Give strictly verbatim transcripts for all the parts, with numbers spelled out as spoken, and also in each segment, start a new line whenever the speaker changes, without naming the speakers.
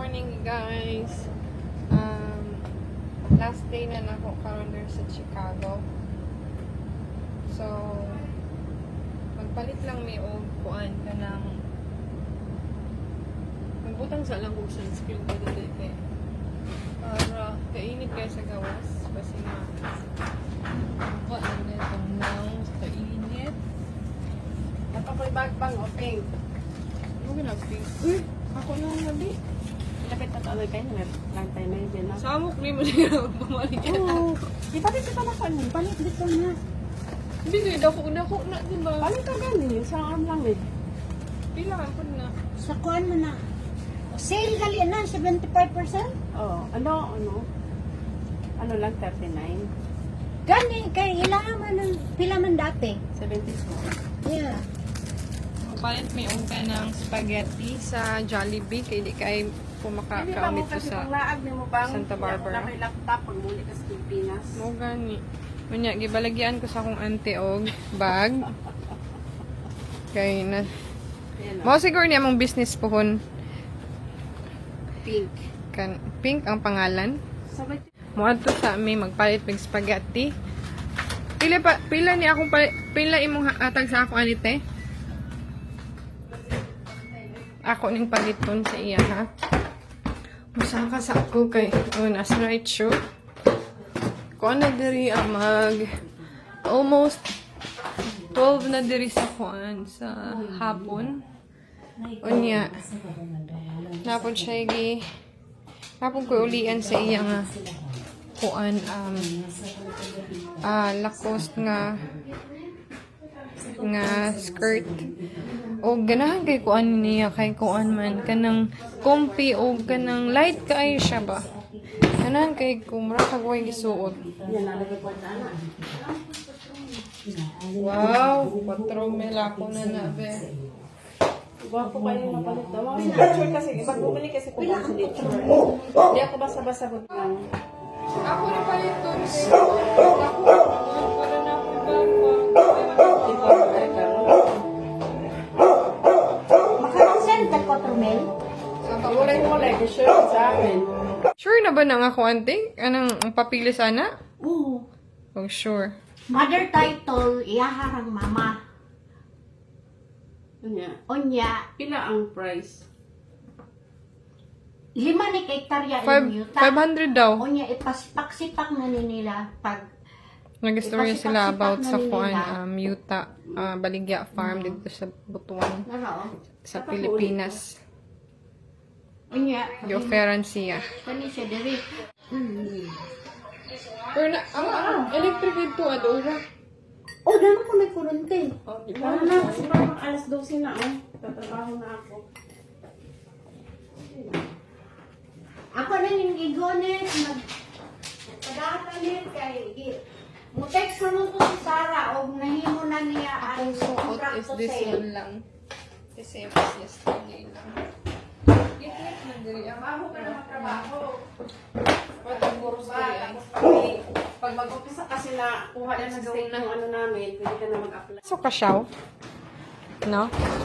morning guys. Um, last day na nako karon der sa Chicago. So magpalit lang may og kuan ka ng magbutang sa lang og sunscreen ko dili kay para kainit kaya sa gawas kasi nga kuan na itong now sa init.
Napakoy bagbang o pink.
Ano ginag-pink? Uy! Ako na ang gabi.
Lapit na tawag kayo na lang tayo may din na.
Samok ni mo niya bumalik ka.
Oo. Ipalit ka na kanin. Palit dito na.
Hindi ko dako na ko na diba?
Palit ka ganin. Sa arm lang eh.
Pila ka po na.
Sa kuan mo na. Sale gali na, seventy-five percent.
Oo. Ano, ano? Ano lang, thirty-nine?
Gani, kay ilangan man ng pila man dati.
seventy-four.
Yeah.
Palit may ungka ng spaghetti sa Jollibee kay di kay pumakakaamit ko sa
panglaag ni mo bang
Santa Barbara.
Nakay laptop pag muli ka sa Pilipinas.
mo gani. Unya gibalagyan ko sa akong auntie og bag. Kay na
Ayan o.
mo siguro niya mong business pohon
Pink.
kan pink ang pangalan.
Sabay
Mo adto sa mi magpalit ng spaghetti. Pila pa pila ni akong pali- pila imong hatag sa ako anite? Ako ning paliton sa iya ha. Musa ka sa ako kay oh, nasa right shoe. Kuan na diri ang mag almost twelve na diri sa kuan sa hapon. Unya. Napon siya gi. Napon ko ulian sa iya nga kuan um ah Lacoste nga nga skirt. O ganahan kay kuan niya kay kuan man kanang comfy o kanang light kaayo siya ba. Ganahan kay kumra kagway gisuot.
yan nalagay ko na.
Wow, patro mela ko na na be.
Gwapo kayo yung mapalit daw. Mga signature kasi, pag bumili kasi kung mga signature. Hindi ako basta-basta ko lang.
Ako na pala ito. Ako, para na ako
Maka-send ka quattro mil.
Walay-walay, sure sa akin.
Sure na ba na nga ako, ante? Anong ang papili sana?
Oo.
Oh, sure.
Mother title, iyaharang mama.
Ano
Onya,
Pila ang price?
lima ni hektarya
Five,
in yuta.
five hundred daw.
Onya, ipasipak-sipak na ni nila pag
Nag-story sila about sa
Ipasipak-sipak na
kuan,
nila.
um, Yuta, uh, Baligya Farm dito sa Butuan,
naro.
sa Pilipinas.
Onya,
Gi-offeran siya.
kani siya diri. Mm.
Pero na, ang ang electric dito, Adora.
Oh, dano ko may kurente.
Oh, di
Ano na, kasi parang alas dose na oh. Tatrabaho na ako.
Ako na yung gigonet, mag pagkakalit kay gi- Mutext na mo ko si Sarah o nahimo na niya
Ang
ang
suot
contract
is
to
this
sale.
one lang. The same as yesterday lang. Git-git na diri. Ang
Trabaho ka na magtrabaho.
patong buros
Ba,
diri ay.
tapos kami, pag mag-umpisa kasi na kuha na sa
Go
state
na.
yung ano namin, pwede ka na mag-apply.
So, kasyaw? No?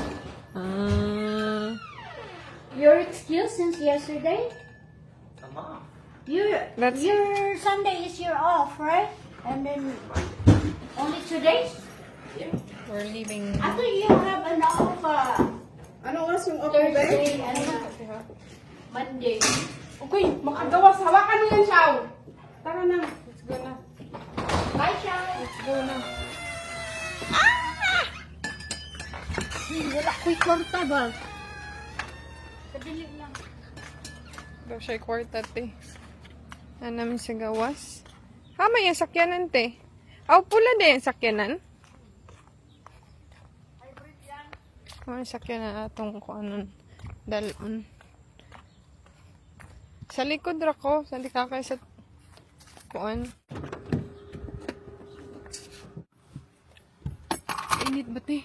Ah...
Your excuse since yesterday? Your,
That's-
your Sunday is your off, right? And then only two days?
we're leaving.
I thought you have an off uh,
Ano oras yung open ba?
Thursday and Monday.
Okay, makagawas. Hawakan mo yan, Shaw. Tara na.
Let's go na.
Bye, Shao.
Let's go na.
Wala ko'y kwarta ba? Kadili lang.
Daw siya kwarta, te. Na namin sa gawas. Ha, may yung sakyanan, te. Aw, pula din yung sakyanan. Oh, yung sakyanan atong kung anong dalon. Sa likod ra ko. Sa likakay sa kuan. Init ba, te?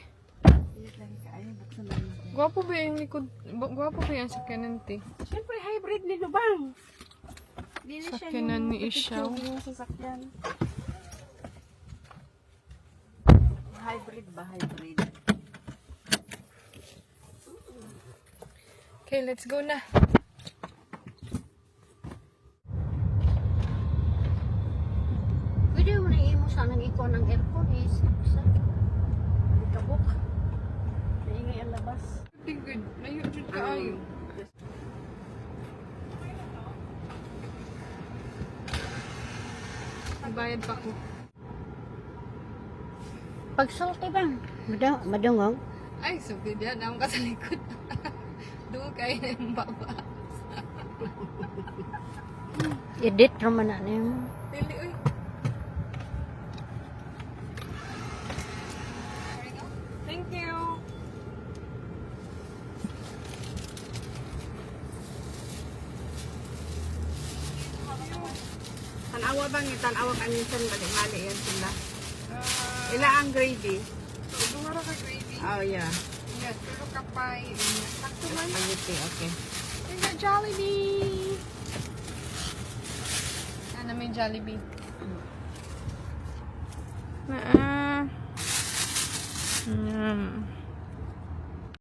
Gwapo ba yung likod? Gwapo ba yung sakyanan, te?
Siyempre, hybrid ni Lubang. Dili siya
Sakyanan ni Ishaw.
yung sasakyan. Hybrid ba? Hybrid.
Okay, let's go na.
ko ng aircon is sa kabuk. Naingay ang labas.
Good. Layo jud kaayo. Bayad pa ko.
Pagsulti ba? Madung madungog.
Ay, sugid yan. Ang ka sa likod. Doon kayo na yung baba.
Edit naman na niyo.
Dili, uy. Thank you.
Tanawa bang tanawa kaninsan bali-mali yan sila.
Uh,
Ila ang gravy.
Dumara ka gravy.
Oh, yeah.
Yes, pero kapay. Sakto man.
Spaghetti, okay.
There's a Jollibee. Sana may Jollibee. Ah. Mm.